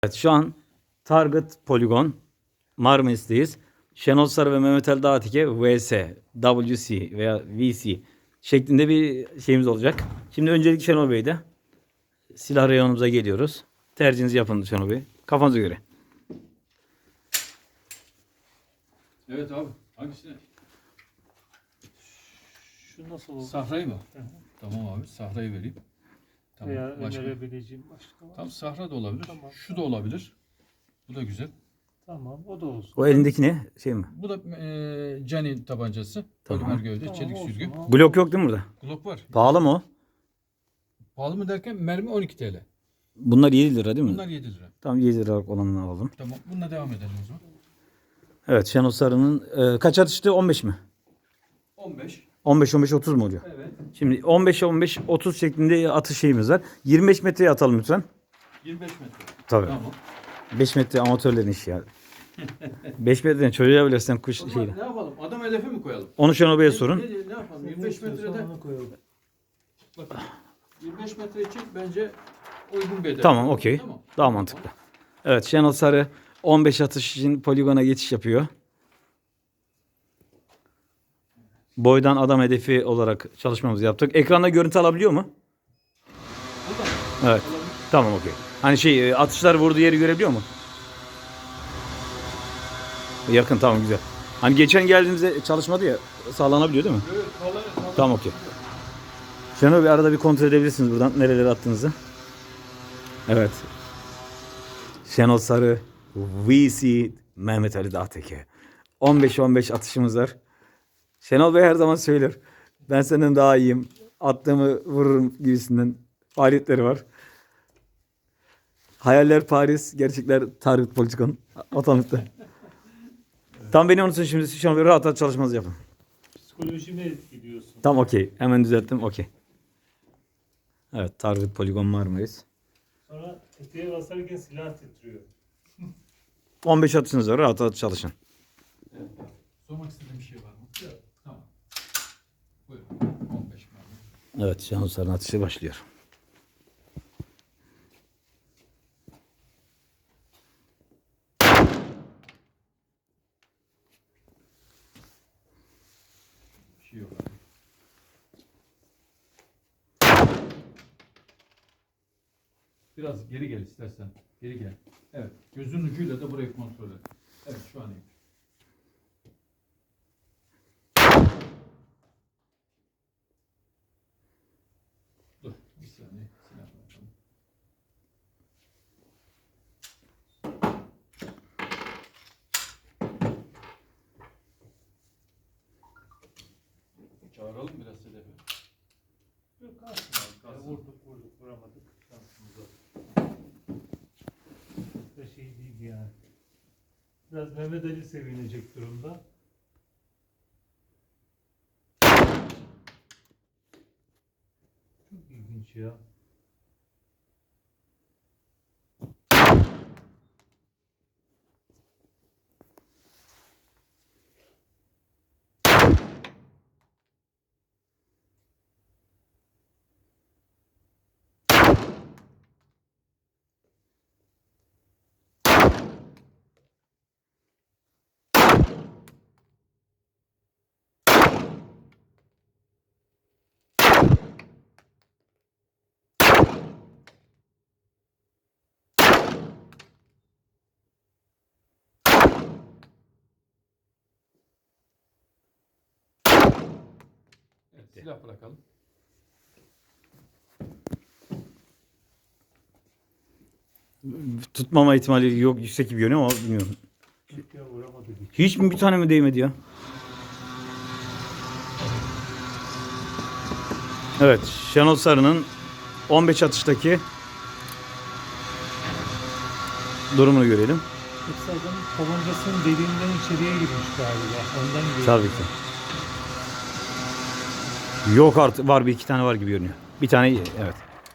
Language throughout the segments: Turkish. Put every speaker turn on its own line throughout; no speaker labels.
Evet, şu an Target Poligon Marmaris'teyiz. Şenol Sarı ve Mehmet Ali Dağatike VS, WC veya VC şeklinde bir şeyimiz olacak. Şimdi öncelikle Şenol Bey'de silah reyonumuza geliyoruz. Tercihinizi yapın Şenol Bey. Kafanıza göre.
Evet abi. Hangisini?
Şu nasıl olur?
Sahrayı mı?
Hı hı.
Tamam abi. Sahrayı vereyim. Tamam.
Veya
Başka?
önerebileceğim başka var.
Tam sahra da olabilir.
Tamam.
Şu da olabilir. Bu da güzel.
Tamam, o da olsun.
O elindeki ne? Şey mi?
Bu da Canin tabancası.
Tamam.
Polimer gövde,
Tamam,
çelik
olsun.
sürgü.
Ha,
Glock yok değil mi burada?
Glock var.
Pahalı mı o?
Pahalı mı derken mermi 12 TL.
Bunlar 7 lira değil mi?
Bunlar 7 lira.
Tamam 7 liralık olanını alalım.
Tamam. Bununla devam edelim o zaman.
Evet Şenol Sarı'nın kaç atıştı? 15 mi?
15.
15-15-30 mu oluyor?
Evet.
Şimdi 15-15-30 şeklinde atış şeyimiz var. 25 metreye atalım lütfen.
25 metre.
Tabii.
Tamam.
5 metre amatörlerin işi ya. 5 metreden çocuğa bile sen kuş
O zaman
şeyle.
ne yapalım? Adam hedefi mi koyalım?
Onu Şenol Bey'e sorun.
Ne yapalım? 25 metrede.
Onu koyalım.
Bakın. 25 metre için bence uygun bir hedef.
Tamam okey.
Tamam.
Daha mantıklı. Evet Şenol Sarı 15 atış için poligona geçiş yapıyor. Boydan adam hedefi olarak çalışmamızı yaptık. Ekranda görüntü alabiliyor mu?
Buradan.
Evet. Tamam okey. Hani şey atışlar vurduğu yeri görebiliyor mu? Yakın tamam güzel. Hani geçen geldiğimizde çalışmadı ya sağlanabiliyor değil mi?
Evet,
Tamam okey. Şenol bir arada bir kontrol edebilirsiniz buradan nerelere attığınızı. Evet. Şenol Sarı, VC, Mehmet Ali Dağteke. 15-15 atışımız var. Şenol Bey her zaman söyler. Ben senden daha iyiyim. Attığımı vururum gibisinden faaliyetleri var. Hayaller Paris, gerçekler Target Politikon. Otomatikte. Tam beni unutun şimdi Şenol Bey rahat rahat çalışmanızı yapın.
Psikolojimi etkiliyorsun.
Tam okey. Hemen düzelttim. Okey. Evet. Target Poligon Marmaris.
Sonra tetiğe basarken silah titriyor.
15 atışınız var. Rahat rahat çalışın.
Evet. Sormak istediğim bir şey var mı? Yok. Tamam. Buyurun. 15 mermi.
Evet. Şenol Sarı'nın atışı başlıyor.
Bir şey yok abi. Biraz geri gel istersen. Geri gel. Evet. Gözün ucuyla da burayı kontrol et. Evet şu an iyi. Dur. Bir saniye. Silah bırakalım. Çağıralım biraz hedefi.
Yok kalsın abi.
Kalsın.
Vurduk vuramadık. Şansımıza. Da şey değil yani. Biraz Mehmet Ali sevinecek durumda. Çok ilginç ya.
Evet, silah bırakalım.
Tutmama ihtimali yok. Yüksek gibi görünüyor ama bilmiyorum.
Yok ya vuramadık hiç.
Hiç mi bir tane mi değmedi ya? Evet. Şenol Sarı'nın 15 atıştaki durumunu görelim.
Yoksa adamın tabancasının deliğinden içeriye girmiş galiba. Ondan geliyor.
Tabii ki. Yok artık var bir iki tane var gibi görünüyor. Bir tane evet.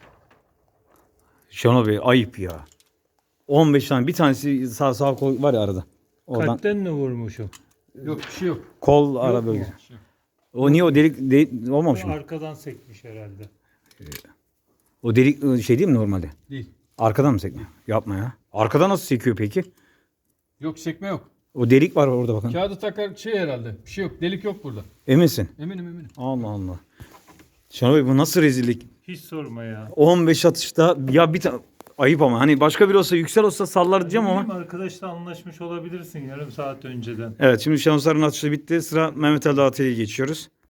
Şenol Bey ayıp ya. 15 tane bir tanesi sağ kol var ya arada. Oradan
Kalpten mi vurmuşum?
Yok bir şey yok.
kol ara
mu?
bölgesi.
Bir şey yok.
O niye o delik olmamış mı?
Arkadan sekmiş herhalde.
O delik şey değil mi normalde?
Değil.
Arkadan mı sekmiyor? Yapma ya. Arkada nasıl sekiyor peki?
Yok çekme yok.
O delik var orada bakın.
Kağıdı takar şey herhalde. Bir şey yok. Delik yok burada.
Eminsin?
Eminim.
Allah Allah. Şenol Bey bu nasıl rezillik?
Hiç sorma ya.
15 atışta ya bir tane ayıp ama hani başka biri olsa Yüksel olsa sallar diyeceğim ama.
Bilmiyorum, arkadaşla anlaşmış olabilirsin yarım saat önceden.
Evet şimdi Şenol Sarı'nın atışı bitti. Sıra Mehmet Ali Dağıtı'ya geçiyoruz.